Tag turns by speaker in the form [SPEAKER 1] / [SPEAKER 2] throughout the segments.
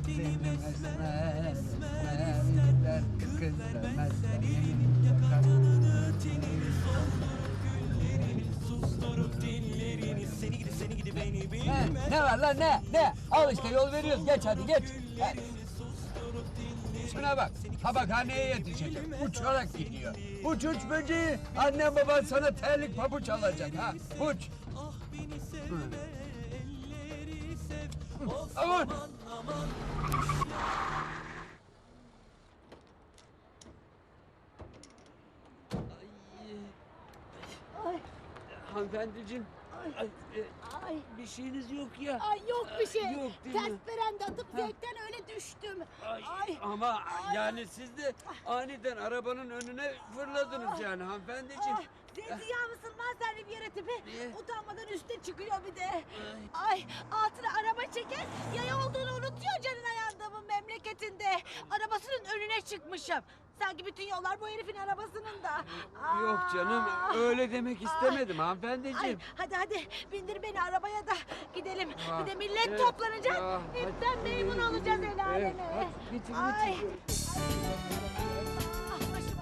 [SPEAKER 1] dinlemezler. Sevgiler kızlemezler. Yeminle kalbimde
[SPEAKER 2] Susturup dillerini seni gidi beni bilmez.
[SPEAKER 1] ne var lan ne? Al işte yol veriyoruz geç hadi geç. Şuna bak tabakhaneye yetişecek uçarak gidiyor. Uç böceği annem baban sana terlik pabuç alacak ha uç. Aman. Hanımefendiciğim.
[SPEAKER 3] Ay.
[SPEAKER 1] Bir şeyiniz yok ya.
[SPEAKER 3] Ay yok bir şey.
[SPEAKER 1] Yok değil
[SPEAKER 3] Ters
[SPEAKER 1] mi?
[SPEAKER 3] berende atıp zevkten öyle düştüm. Ay.
[SPEAKER 1] Ama yani siz de aniden arabanın önüne fırladınız yani hanımefendiciğim.
[SPEAKER 3] Ziya mısın lan sen bir yere tipi?
[SPEAKER 1] Niye?
[SPEAKER 3] Utanmadan üstte çıkıyor bir de. Ay altına araba çeker yaya olduğunu unutuyor canına yandığımın memleketinde. Arabasının önüne çıkmışım. Sanki bütün yollar bu herifin arabasının da.
[SPEAKER 1] Yok canım öyle demek istemedim
[SPEAKER 3] Ay
[SPEAKER 1] hanımefendiciğim.
[SPEAKER 3] hadi bindir beni arabaya da gidelim.
[SPEAKER 1] Ah,
[SPEAKER 3] Bir de millet
[SPEAKER 1] evet,
[SPEAKER 3] toplanacak.
[SPEAKER 1] ah,
[SPEAKER 3] Hepten
[SPEAKER 1] hadi.
[SPEAKER 3] memnun olacağız el aleme.
[SPEAKER 1] Evet, hadi, geçin.
[SPEAKER 3] Ay. Ah, başıma.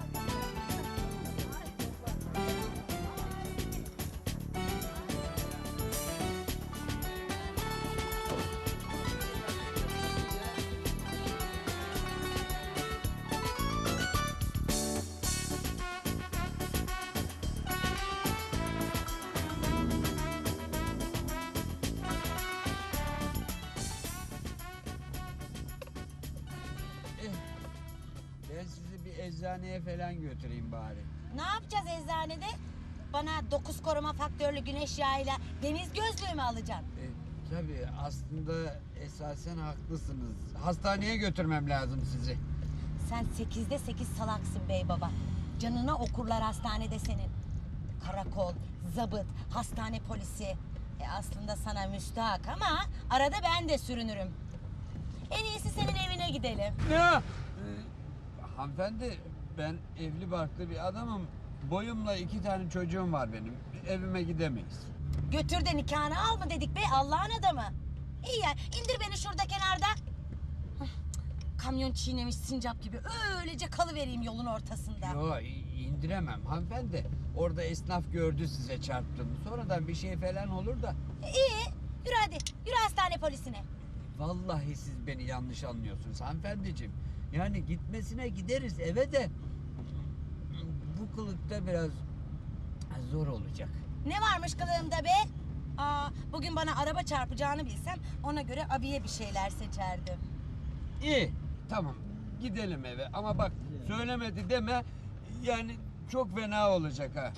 [SPEAKER 1] Ben sizi bir eczaneye falan götüreyim bari.
[SPEAKER 3] Ne yapacağız eczanede? Bana 9 koruma faktörlü güneş yağıyla deniz gözlüğü mü alacaksın?
[SPEAKER 1] Tabii aslında esasen haklısınız. Hastaneye götürmem lazım sizi.
[SPEAKER 3] Sen 8'de 8 salaksın bey baba. Canına okurlar hastanede senin. Karakol, zabıt, hastane polisi. Aslında sana müstahak ama arada ben de sürünürüm. En iyisi senin evine gidelim.
[SPEAKER 1] Ne? Hanımefendi ben evli barklı bir adamım. Boyumla 2 tane çocuğum var benim. Evime gidemeyiz.
[SPEAKER 3] Götür de nikahını al mı dedik be Allah'ın adamı. İyi ya indir beni şurada kenarda. Hıh, kamyon çiğnemiş sincap gibi öylece kalıvereyim yolun ortasında.
[SPEAKER 1] Yo indiremem hanımefendi. Orada esnaf gördü size çarptığımı. Sonradan bir şey falan olur da.
[SPEAKER 3] İyi yürü hadi yürü hastane polisine.
[SPEAKER 1] Vallahi siz beni yanlış anlıyorsunuz hanımefendiciğim. Yani gitmesine gideriz eve de bu kılıkta biraz zor olacak.
[SPEAKER 3] Ne varmış kılığımda be? Bugün bana araba çarpacağını bilsem ona göre abiye bir şeyler seçerdim.
[SPEAKER 1] İyi tamam gidelim eve ama bak söylemedi deme yani çok fena olacak ha.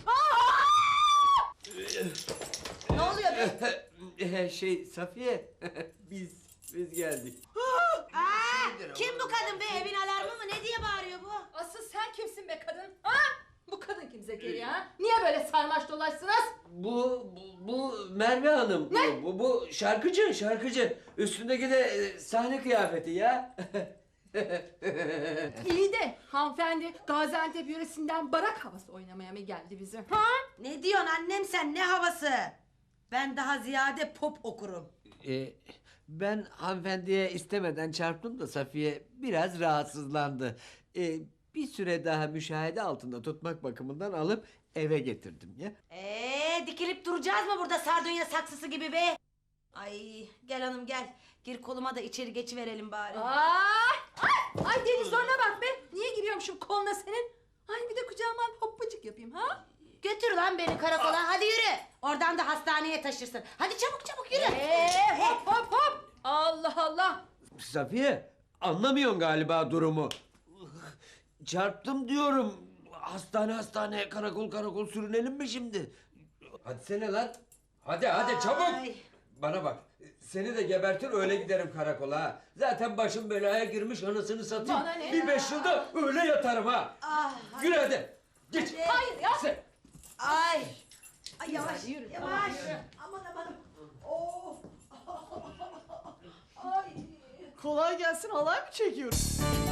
[SPEAKER 3] Ne oluyor be?
[SPEAKER 1] Safiye biz geldik.
[SPEAKER 3] Kim bu kadın be? Evin alarmı mı? Ne diye bağırıyor bu?
[SPEAKER 4] Asıl sen kimsin be kadın? Ha? Bu kadın kim Zekeriya? Ha? Niye böyle sarmaş dolaşsınız?
[SPEAKER 5] Bu Merve Hanım.
[SPEAKER 4] Ne?
[SPEAKER 5] Bu şarkıcı. Üstündeki de sahne kıyafeti ya.
[SPEAKER 4] İyi de hanımefendi Gaziantep yöresinden barak havası oynamaya mı geldi bize? Ha?
[SPEAKER 3] Ne diyorsun annem sen? Ne havası? Ben daha ziyade pop okurum.
[SPEAKER 5] Ben hanımefendiye istemeden çarptım da Safiye biraz rahatsızlandı. Bir süre daha müşahede altında tutmak bakımından alıp eve getirdim ya.
[SPEAKER 3] Dikilip duracağız mı burada sardunya saksısı gibi be? Ay gel hanım gel. Gir koluma da içeri geçiverelim bari.
[SPEAKER 4] Ay Deniz zoruna bak be. Niye giriyormuşum koluna senin? Ay bir de kucağıma alıp hoppacık yapayım ha?
[SPEAKER 3] Götür lan beni karakola hadi yürü. Oradan da hastaneye taşırsın. Hadi çabuk yürü.
[SPEAKER 4] Hop. Allah Allah.
[SPEAKER 5] Safiye anlamıyorsun galiba durumu. Çarptım diyorum. Hastane karakol sürünelim mi şimdi? Hadi sene lan. Hadi çabuk.
[SPEAKER 3] Ay.
[SPEAKER 5] Bana bak. Seni de gebertir öyle giderim karakola ha. Zaten başım belaya girmiş anasını satayım.
[SPEAKER 4] Bana ne?
[SPEAKER 5] Bir 5 yılda öyle yatarım ha. Yürü hadi. Geç.
[SPEAKER 3] Hadi.
[SPEAKER 4] Hayır ya.
[SPEAKER 5] Sen.
[SPEAKER 3] Ay yavaş
[SPEAKER 4] Yürü.
[SPEAKER 3] yavaş. Aman. Oh. Ay.
[SPEAKER 6] Kolay gelsin halay mı çekiyoruz?